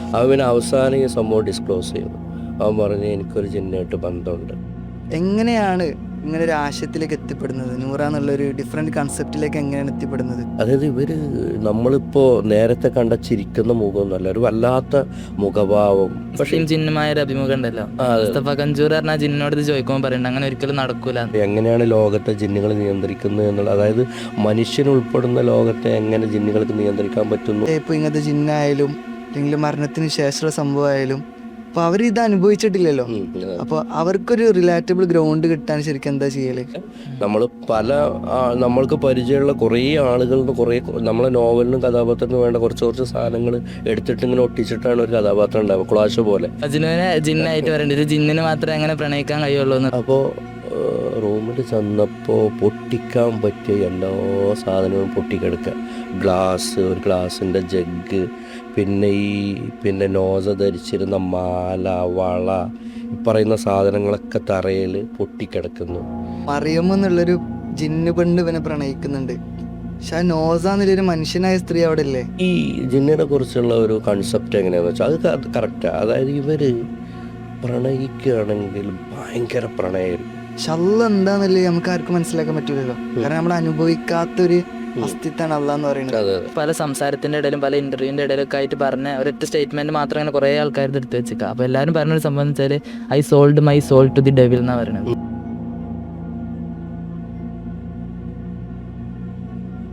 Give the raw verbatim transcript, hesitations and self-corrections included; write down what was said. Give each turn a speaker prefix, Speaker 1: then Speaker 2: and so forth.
Speaker 1: അവൻ പിന്നെ അവസാനം ഈ സംഭവം ഡിസ്ക്ലോസ് ചെയ്തു. അവൻ പറഞ്ഞ് എനിക്കൊരു ജിന്നായിട്ട് ബന്ധമുണ്ട്.
Speaker 2: എങ്ങനെയാണ് ഇങ്ങനെ ഒരു ആശയത്തിലേക്ക് എത്തിപ്പെടുന്നത്? നൂറ എന്നുള്ളൊരു ഡിഫറെൻറ്റ് കൺസെപ്റ്റിലേക്ക് എങ്ങനെയാണ് എത്തിപ്പെടുന്നത്?
Speaker 1: അതായത് ഇവർ നമ്മളിപ്പോൾ നേരത്തെ കണ്ട ചിരിക്കുന്ന മുഖമൊന്നുമല്ല, ഒരു വല്ലാത്ത മുഖഭാവം.
Speaker 3: പക്ഷേ ജിന്നുമായ ഒരു അഭിമുഖം ഉണ്ടല്ലോ, മുസ്തഫ കഞ്ചൂർ പറഞ്ഞാൽ ജിന്നോട് ഇത് ചോദിക്കുമ്പോൾ പറയുന്നുണ്ട് അങ്ങനെ ഒരിക്കലും നടക്കൂല.
Speaker 1: എങ്ങനെയാണ് ലോകത്തെ ജിന്നുകൾ നിയന്ത്രിക്കുന്നത് എന്നുള്ളത്, അതായത് മനുഷ്യനുൾപ്പെടുന്ന ലോകത്തെ എങ്ങനെ ജിന്നുകൾക്ക് നിയന്ത്രിക്കാൻ പറ്റുന്നു.
Speaker 2: ഇപ്പോൾ ഇങ്ങനത്തെ ജിന്നായാലും അല്ലെങ്കിൽ മരണത്തിന് ശേഷമുള്ള സംഭവമായാലും അപ്പോൾ അവർ ഇത് അനുഭവിച്ചിട്ടില്ലല്ലോ. അപ്പോൾ അവർക്കൊരു റിലാറ്റബിൾ ഗ്രൗണ്ട് കിട്ടാൻ ശരിക്കും എന്താ ചെയ്യല്?
Speaker 1: നമ്മൾ പല നമ്മൾക്ക് പരിചയമുള്ള കുറേ ആളുകളിൽ നിന്ന് കുറേ നമ്മളെ നോവലിനും കഥാപാത്രത്തിനും വേണ്ട കുറച്ച് കുറച്ച് സാധനങ്ങൾ എടുത്തിട്ട് ഇങ്ങനെ ഒട്ടിച്ചിട്ടാണ് ഒരു കഥാപാത്രം ഉണ്ടാവുക, ക്ലാഷ് പോലെ.
Speaker 3: അജിനുവിനെ ജിന്നായിട്ട് പറയേണ്ടത് ജിന്നിന് മാത്രമേ അങ്ങനെ പ്രണയിക്കാൻ കഴിയുള്ളൂ.
Speaker 1: അപ്പോൾ റൂമിൽ ചെന്നപ്പോൾ പൊട്ടിക്കാൻ പറ്റിയ എല്ലാ സാധനവും പൊട്ടിക്കെടുക്കുക. ഗ്ലാസ്, ഒരു ഗ്ലാസിൻ്റെ ജഗ്, പിന്നെ ഈ പിന്നെ നോസ ധരിച്ചിരുന്ന മാല, വള, ഈ പറയുന്ന സാധനങ്ങളൊക്കെ തറയിൽ പൊട്ടിക്കിടക്കുന്നു.
Speaker 2: മറിയം എന്നുള്ളൊരു ജിന്ന് പെണ്ണ് ഇവനെ പ്രണയിക്കുന്നുണ്ട്. പക്ഷെ ആ നോസ എന്നുള്ളൊരു മനുഷ്യനായ സ്ത്രീ അവിടെ ഇല്ലേ?
Speaker 1: ഈ ജിന്നിനെ കുറിച്ചുള്ള ഒരു കൺസെപ്റ്റ് എങ്ങനെയാണെന്ന് വെച്ചാൽ അത് കറക്റ്റാണ്. അതായത് ഇവർ പ്രണയിക്കുകയാണെങ്കിൽ ഭയങ്കര പ്രണയമായിരിക്കും.
Speaker 2: പക്ഷെ അള്ള എന്താന്നല്ലേ നമുക്ക് ആർക്കും മനസ്സിലാക്കാൻ പറ്റൂലല്ലോ. കാരണം നമ്മൾ അനുഭവിക്കാത്തൊരു അസ്തിത്വമാണ് അള്ള എന്ന് പറയുന്നത്.
Speaker 3: പല സംസാരത്തിന്റെ ഇടയിലും പല ഇന്റർവ്യൂവിന്റെ ഇടയിലൊക്കെ ആയിട്ട് പറഞ്ഞ ഒരൊറ്റ സ്റ്റേറ്റ്മെന്റ് മാത്രം അങ്ങനെ കുറെ ആൾക്കാരുടെ എടുത്ത് വെച്ചേക്കാം. അപ്പൊ എല്ലാവരും പറഞ്ഞൊരു സംഭവം എന്ന് വെച്ചാൽ I sold my soul to the devil എന്നാ പറയുന്നത്.